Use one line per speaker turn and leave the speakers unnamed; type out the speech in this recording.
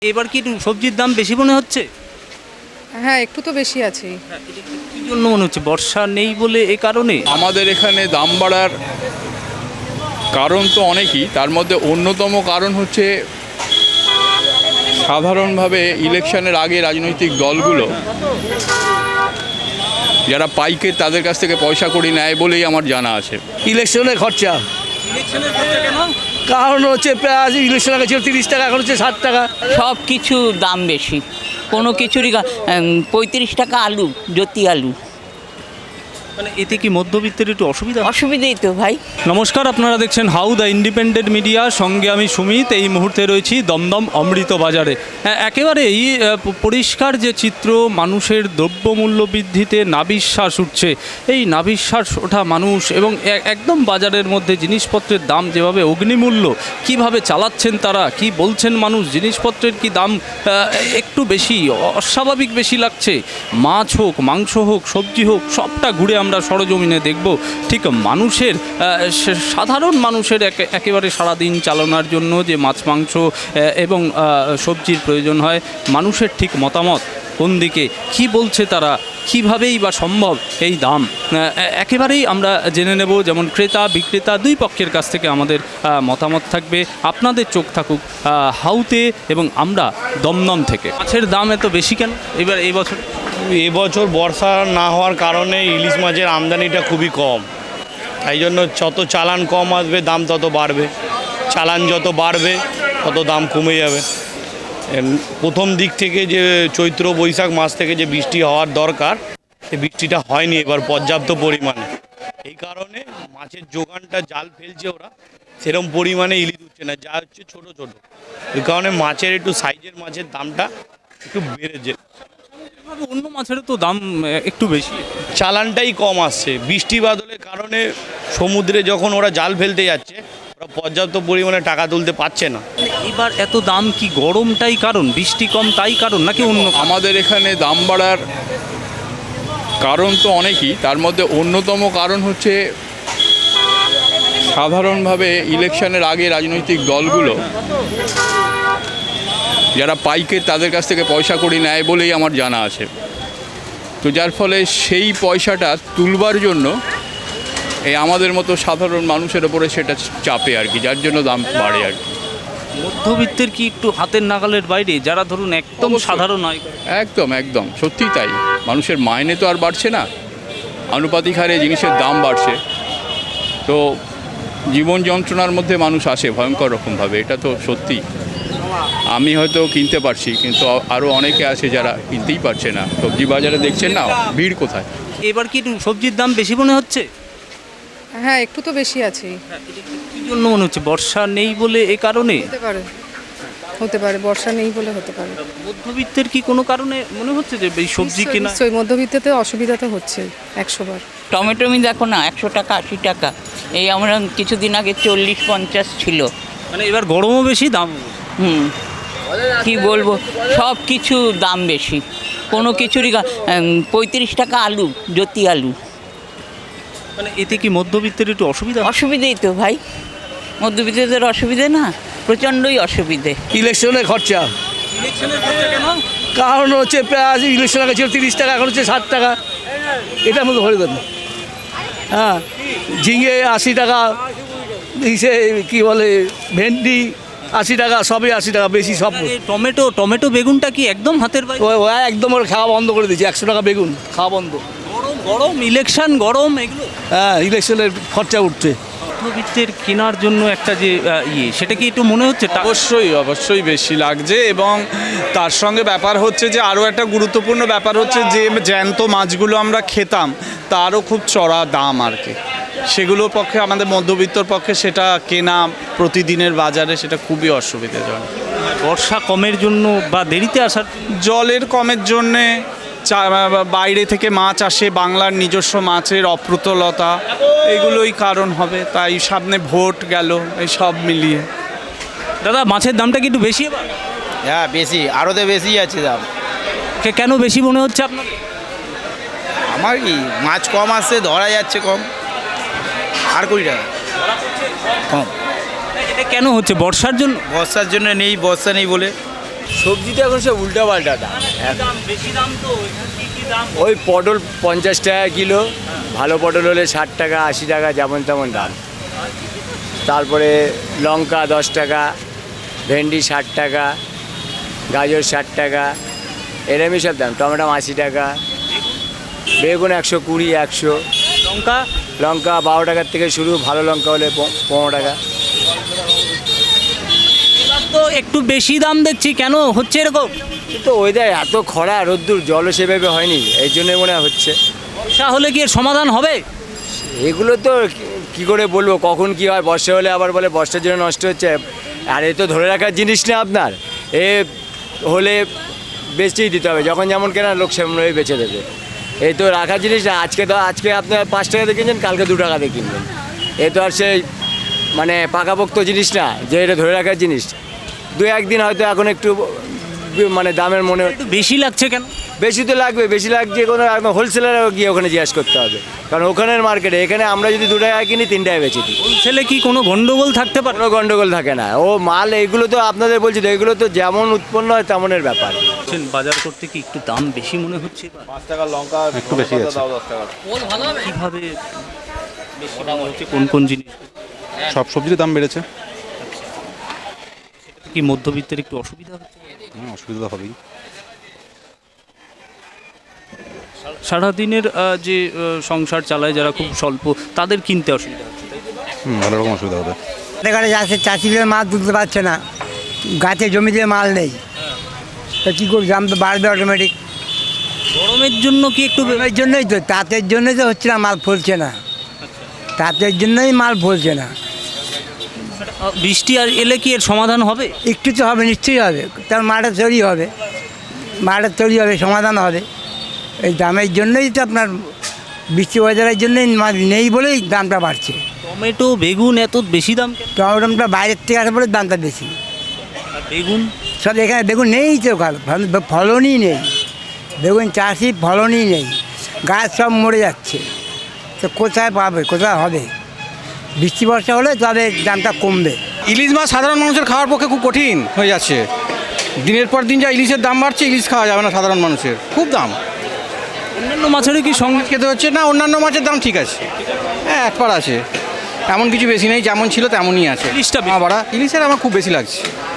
এবার কি একটু সবজির দাম বেশি মনে হচ্ছে?
হ্যাঁ, একটু তো বেশি আছেই।
কি জন্য মনে হচ্ছে? বর্ষা নেই বলে এ কারণে?
আমাদের এখানে দাম বাড়ার কারণ তো অনেকই, তার মধ্যে অন্যতম কারণ হচ্ছে সাধারণভাবে ইলেকশনের আগে রাজনৈতিক দলগুলো যারা পাইকার তাদের কাছ থেকে পয়সা কড়ি নেয় বলেই আমার জানা আছে।
ইলেকশনের খরচা।
ইলেকশনের খরচা কেন?
কারণ হচ্ছে পেঁয়াজ ইলেকশন আগে ছিল 30 টাকা, এখন হচ্ছে 60 টাকা।
সব কিছু দাম বেশি, কোনো কিছুরই 35 টাকা আলু, জ্যোতি আলু।
মানে এতে কি মধ্যবিত্তের একটু অসুবিধা?
অসুবিধেই তো ভাই।
নমস্কার, আপনারা দেখছেন হাউ দ্য ইন্ডিপেন্ডেন্ট মিডিয়া, সঙ্গে আমি সুমিত। এই মুহূর্তে রয়েছি দমদম অমৃত বাজারে। একেবারেই পরিষ্কার যে চিত্র, মানুষের দ্রব্যমূল্য বৃদ্ধিতে নাভিশ্বাস উঠছে। এই নাভিশ্বাস ওঠা মানুষ এবং একদম বাজারের মধ্যে জিনিসপত্রের দাম যেভাবে অগ্নিমূল্য, কিভাবে চালাচ্ছেন তারা, কি বলছেন মানুষ, জিনিসপত্রের কি দাম একটু বেশি, অস্বাভাবিক বেশি লাগছে। মাছ হোক, মাংস হোক, সবজি হোক, সবটা ঘুরে আমরা সরজমিনে দেখব। ঠিক মানুষের, সাধারণ মানুষের একেবারে সারাদিন চালানোর জন্য যে মাছ মাংস এবং সবজির প্রয়োজন হয়, মানুষের ঠিক মতামত কোন দিকে, কি বলছে তারা, কীভাবেই বা সম্ভব এই দাম, একেবারেই আমরা জেনে নেব। যেমন ক্রেতা বিক্রেতা দুই পক্ষের কাছ থেকে আমাদের মতামত থাকবে। আপনাদের চোখ থাকুক হাউতে এবং আমরা দমদম থেকে। মাছের দাম এত বেশি কেন এবার এই বছর?
এবছর বর্ষা না হওয়ার কারণে ইলিশ মাছের আমদানিটা খুবই কম, তাই জন্য যত চালান কম আসবে দাম তত বাড়বে, চালান যত বাড়বে তত দাম কমে যাবে। প্রথম দিক থেকে যে চৈত্র বৈশাখ মাস থেকে যে বৃষ্টি হওয়ার দরকার, সে বৃষ্টিটা হয়নি এবার পর্যাপ্ত পরিমাণে। এই কারণে মাছের যোগানটা, জাল ফেলছে ওরা, সেরকম পরিমাণে ইলিশ উঠছে না, যা হচ্ছে ছোট ছোট। এই কারণে মাছের একটু সাইজের মাছের দামটা একটু বেড়েছে।
অন্য মাছেরও তো দাম একটু বেশি,
চালানটাই কম আসছে। বৃষ্টি বাদলের কারণে সমুদ্রে যখন ওরা জাল ফেলতে যাচ্ছে, ওরা পর্যাপ্ত পরিমাণে টাকা তুলতে পারছে না।
এবার এত দাম কি গরমটাই কারণ, বৃষ্টি কম তাই কারণ, নাকি অন্য?
আমাদের এখানে দাম বাড়ার কারণ তো অনেকই, তার মধ্যে অন্যতম কারণ হচ্ছে সাধারণভাবে ইলেকশনের আগে রাজনৈতিক দলগুলো যারা পাইকার তাদের কাছ থেকে পয়সা কড়ি নেয় বলেই আমার জানা আছে। তো যার ফলে সেই পয়সাটা তুলবার জন্য এই আমাদের মতো সাধারণ মানুষের ওপরে সেটা চাপে আর কি, যার জন্য দাম বাড়ে আর কি।
মধ্যবিত্তের কি একটু হাতের নাগালের বাইরে, যারা ধরুন একদম সাধারণ হয়?
একদম একদম সত্যিই তাই। মানুষের মাইনে তো আর বাড়ছে না, আনুপাতিক হারে জিনিসের দাম বাড়ছে। তো জীবন যন্ত্রণার মধ্যে মানুষ আসে ভয়ঙ্কর রকমভাবে, এটা তো সত্যি। আমি হয়তো কিনতে পারছি, কিন্তু আরও অনেকে আছে যারা কিনতেই পারছে না। সবজি বাজারে দেখছেন না ভিড় কোথায়।
এবার কি একটু সবজির দাম বেশি মনে হচ্ছে?
হ্যাঁ, একটু তো বেশি আছেই।
কি জন্য মনে হচ্ছে? বর্ষা নেই বলে এ কারণে?
হতে পারে বর্ষা নেই বলে হতে পারে।
মধ্যবিত্তের কি কোনো কারণে মনে হচ্ছে যে এই সবজি কেনা?
নিশ্চয়ই মধ্যবিত্ততে অসুবিধা তো হচ্ছে 100 বার।
টমেটোমি দেখো না, 100 টাকা 80 টাকা। এই আমরা কিছুদিন আগে 40-50 ছিল।
মানে এবার গরমও বেশি, দাম?
কি বলবো, সব কিছু দাম বেশি, কোনো কিছুরই 35 টাকা আলু, জ্যোতি আলু।
মানে এতে কি মধ্যবিত্তের একটু অসুবিধা?
অসুবিধেই তো ভাই, মধ্যবিত্তদের অসুবিধে না, প্রচণ্ডই অসুবিধে।
ইলেকশনের খরচা।
ইলেকশনের খরচা কেন?
কারণ হচ্ছে পেঁয়াজ ইলেকশন আগে ছিল 30 টাকা, এখন হচ্ছে 60 টাকা। এটার মধ্যে ভরে দেন। হ্যাঁ, ঝিঙে 80 টাকা, ইসে কী বলে ভেন্ডি 80 টাকা, সবই 80 টাকা বেশি সব।
টমেটো বেগুনটা কি একদম হাতের বাইরে?
ও একদম ওর খাওয়া বন্ধ করে দিয়েছে, 100 টাকা বেগুন খাওয়া বন্ধ।
গরম ইলেকশন, গরম এগুলো।
হ্যাঁ, ইলেকশনের খরচা উঠছে।
মধ্যবিত্তের কেনার জন্য একটা যে সেটা কি একটু মনে হচ্ছে?
অবশ্যই বেশি লাগছে। এবং তার সঙ্গে ব্যাপার হচ্ছে যে আরও একটা গুরুত্বপূর্ণ ব্যাপার হচ্ছে যে জ্যান্ত মাছগুলো আমরা খেতাম, তারও খুব চড়া দাম আর কি। সেগুলোর পক্ষে, আমাদের মধ্যবিত্তর পক্ষে সেটা কেনা প্রতিদিনের বাজারে সেটা খুবই অসুবিধাজনক।
বর্ষা কমের জন্য বা দেরিতে আসার?
জলের কমের জন্যে, বাইরে থেকে মাছ আসে, বাংলার নিজস্ব মাছের অপ্রতুলতা, এগুলোই কারণ হবে। তাই সামনে ভোট গেল, এই সব মিলিয়ে।
দাদা, মাছের দামটা কি একটু বেশি এবার?
হ্যাঁ, বেশি, আরও তো বেশি আছে দাম।
কেন বেশি মনে হচ্ছে আপনার?
আমার কি, মাছ কম আসছে, ধরা যাচ্ছে কম, আর 20 টাকা কম।
এটা কেন হচ্ছে? বর্ষার জন্য?
বর্ষার জন্য নেই, বর্ষা নেই বলে।
সবজি তো এখন সব উল্টা পাল্টা দাম।
বেশি দাম তো দাম?
ওই পটল 50 টাকা কিলো, ভালো পটল হলে 60 টাকা 80 টাকা যেমন তেমন দাম। তারপরে লঙ্কা 10 টাকা, ভেন্ডি 60 টাকা, গাজর 60 টাকা, এরমই সব দাম। টমেটো 80 টাকা, বেগুন 120 100,
লঙ্কা
লঙ্কা 12 টাকার থেকে শুরু, ভালো লঙ্কা হলে 15 টাকা।
এবার তো একটু বেশি দাম দেখছি, কেন হচ্ছে এরকম?
কিন্তু ওয়েদার এত খরা রোদ্দুর, জলও সেভাবে হয়নি, এই জন্যই মনে হয় হচ্ছে।
বর্ষা হলে কি এর সমাধান হবে?
এগুলো তো কি করে বলবো কখন কি হয়। বর্ষা হলে আবার বলে বর্ষার জন্য নষ্ট হচ্ছে, আর এ তো ধরে রাখার জিনিস না আপনার। এ হলে বেচতেই দিতে হবে, যখন যেমন কেনা লোক সেমনভাবে বেচে দেবে। এই তো রাখার জিনিস না। আজকে আপনার 5 টাকাতে কিনছেন, কালকে 2 টাকাতে কিনবেন। এ তো আর সেই মানে পাকাপোক্ত জিনিস না যে এটা ধরে রাখার জিনিস। 2-1 দিন হয়তো এখন একটু মানে দামের মনে
একটু বেশি লাগছে কেন?
বেশি তো লাগবে, বেশি লাগছে কোনো একদম হোলসেলারও গিয়ে ওখানে জিজ্ঞাসা করতে হবে, কারণ ওখানের মার্কেটে। এখানে আমরা যদি 2 টাকা কিনি 3 টাকায় বেচে দিই।
হোলসেলে কি কোনো গন্ডগোল থাকতে পারে?
কোনো গন্ডগোল থাকে না। ও মাল এগুলো তো আপনাদের বলছি তো, এগুলো তো যেমন উৎপন্ন হয় তেমনের ব্যাপার।
বাজার করতে কি একটু দাম বেশি মনে হচ্ছে?
5 টাকার লঙ্কা একটু বেশি আছে। 10 টাকা
কিভাবে বেশি মনে হচ্ছে? কোন কোন জিনিস?
সব সবজির দাম বেড়েছে।
কি মধ্যবিত্তের একটু অসুবিধা হচ্ছে?
অসুবিধা তো হবেই।
সারাদিনের যে সংসার চালায় যারা খুব স্বল্প, তাদের কিনতে অসুবিধা হচ্ছে, তাই তো?
ভালো রকম অসুবিধা হবে।
এখানে যাচ্ছে চাষিদের মাল তুলতে পারছে না, গাছে জমিতে মাল নেই, তো কী করবে? দাম তো বাড়বে অটোমেটিক।
গরমের জন্য কি একটু
এর জন্যই তো, তাঁতের জন্যই তো হচ্ছে না, মাল ফলছে না। তাঁতের জন্যই মাল ফলছে না।
বৃষ্টি আর এলে কি এর সমাধান হবে?
একটু তো হবে, নিশ্চয়ই হবে। তার মাঠে তৈরি হবে, সমাধান হবে। এই দামের জন্যই তো আপনার বৃষ্টি ওয়েদারের জন্যই মাল নেই বলেই দামটা বাড়ছে।
টমেটো বেগুন এত বেশি দাম কেন?
টমেটোটা বাইরের থেকে আসে বলে দামটা বেশি।
আর বেগুন?
সব এখানে বেগুন নেই তো, ফলনই নেই। বেগুন চাষি ফলনই নেই, গাছ সব মরে যাচ্ছে। তো কোথায় পাবে, কোথায় হবে? বৃষ্টি বর্ষা হলে তবে দামটা কমবে।
ইলিশ মাছ সাধারণ মানুষের খাওয়ার পক্ষে খুব কঠিন হয়ে যাচ্ছে। দিনের পর দিন যা ইলিশের দাম বাড়ছে, ইলিশ খাওয়া যাবে না সাধারণ মানুষের, খুব দাম।
অন্যান্য মাছেরও কি সঙ্গে
খেতে হচ্ছে না? অন্যান্য মাছের দাম ঠিক আছে, হ্যাঁ এক পার আছে, এমন কিছু বেশি নেই, যেমন ছিল তেমনই আছে।
ইলিশটা
বাড়া ইলিশের আমার খুব বেশি লাগছে।